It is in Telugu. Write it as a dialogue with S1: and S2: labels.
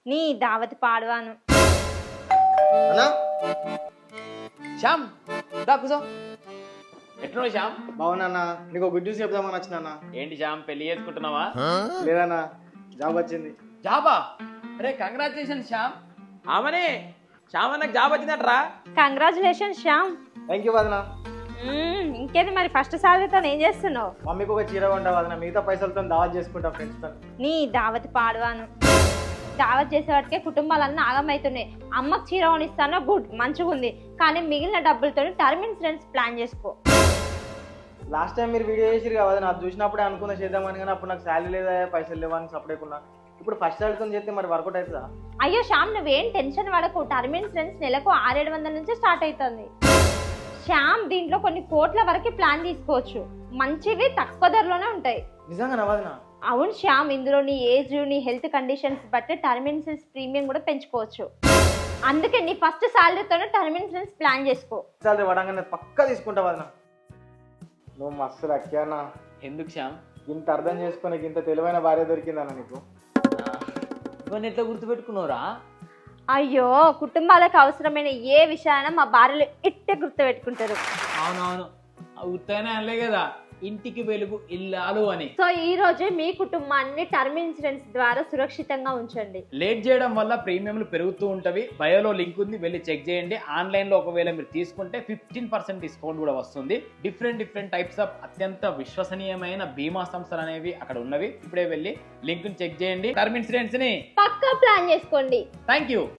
S1: నీ దావతి పాడవాను.
S2: అన్నా
S3: శ్యామ్ దా కూసో. ఎట్లున్నావు శ్యామ్?
S2: బావునా, నీకు గుడ్ న్యూస్ చెప్దామని వచ్చినా.
S3: ఏంటి శ్యామ్, పెళ్లి చేసుకుంటున్నావా?
S2: లేదన్నా, జాబ్ వచ్చింది.
S3: జాబా? అరే కంగ్రాచులేషన్ శ్యామ్. ఆమెనే శ్యామ్ అన్నకు జాబ్ వచ్చిందట్రా.
S1: కంగ్రాచులేషన్ శ్యామ్.
S2: థ్యాంక్ యూ వదనా.
S1: ఇంకేది మరి ఫస్ట్ సాలరీతో ఏం చేస్తున్నావు?
S2: మమ్మీకి ఒక చీర కొంటా వదనా, మిగతా పైసలతో దావత్ చేసుకుంటా ఫ్రెండ్స్ తో.
S1: నీ దావతి పాడవాను. దావత్ చేసేవాటికే కుటుంబాలన్నీ ఆగమవుతున్నాయి. అమ్మకు చీర కొనిస్తానో గుడ్, మంచిగా ఉంది, కానీ మిగిలిన డబ్బులతో టర్మ్ ఇన్సూరెన్స్ ప్లాన్ చేసుకో.
S2: లాస్ట్ టైం మీరు వీడియో చేసిరు కదా వదనా, అది చూసినప్పుడే అనుకున్నా చేద్దామని, కానీ అప్పుడు నాకు శాలరీ లేదా పైసలు లేవని సపరేకున్నా. ఇప్పుడు ఫస్ట్ సాలరీతో చేస్తే మరి వర్కౌట్ అవుతుందా?
S1: అయ్యో శ్యామ్, నువ్వేం టెన్షన్ పడకు. టర్మ్ ఇన్సూరెన్స్ నెలకు 600-700 నుంచి స్టార్ట్ అవుతుంది. శ్యామ్, దీంట్లో కొన్ని కోట్ల వరకు ప్లాన్ తీసుకోవచ్చు. మంచివి తక్కువ ధరలోనే ఉంటాయి.
S2: నిజంగా వదనా?
S1: అవును శ్యామ్, ఇందులో నీ ఏజ్, నీ హెల్త్ కండిషన్స్ బట్టి టర్మ్ ఇన్సూరెన్స్ ప్రీమియం కూడా పెంచుకోవచ్చు. అందుకే నీ ఫస్ట్ సాలరీతోనే టర్మ్ ఇన్సూరెన్స్ ప్లాన్ చేసుకో.
S2: సాలరీ పడంగానే పక్కా తీసుకుంటా వదనా. నువ్వు మస్తు లక్యానా.
S3: ఎందుకు శ్యామ్?
S2: ఇంత అర్థం చేసుకుని ఇంత తెలివైన భార్య దొరికిందన్న నీకు.
S3: ఇవన్నీ ఎట్లా గుర్తుపెట్టుకున్నావురా?
S1: అయ్యో, కుటుంబాలకు అవసరమైన ఏ విషయాలైనా మా భార్యలు ఇట్టే గుర్తుపెట్టుకుంటారు.
S3: అవునవును, ఉత్తగానే అనలే కదా ఇంటికి వెలుగు ఇల్లాలు అని.
S1: సో ఈ రోజే మీ కుటుంబాన్ని టర్మ్ ఇన్సూరెన్స్ ద్వారా సురక్షితంగా ఉంచండి.
S3: లేట్ చేయడం వల్ల ప్రీమియంలు పెరుగుతూ ఉంటవి. బయోలో లింక్ ఉంది, వెళ్ళి చెక్ చేయండి. ఆన్లైన్ లో ఒకవేళ మీరు తీసుకుంటే 15% డిస్కౌంట్ కూడా వస్తుంది. డిఫరెంట్ టైప్స్ ఆఫ్ అత్యంత విశ్వసనీయమైన బీమా సంస్థలు అనేవి అక్కడ ఉన్నవి. ఇప్పుడే వెళ్ళి లింక్ చెక్ చేయండి. టర్మ్ ఇన్సూరెన్స్ ని
S1: పక్కా ప్లాన్ చేసుకోండి.
S3: Thank you.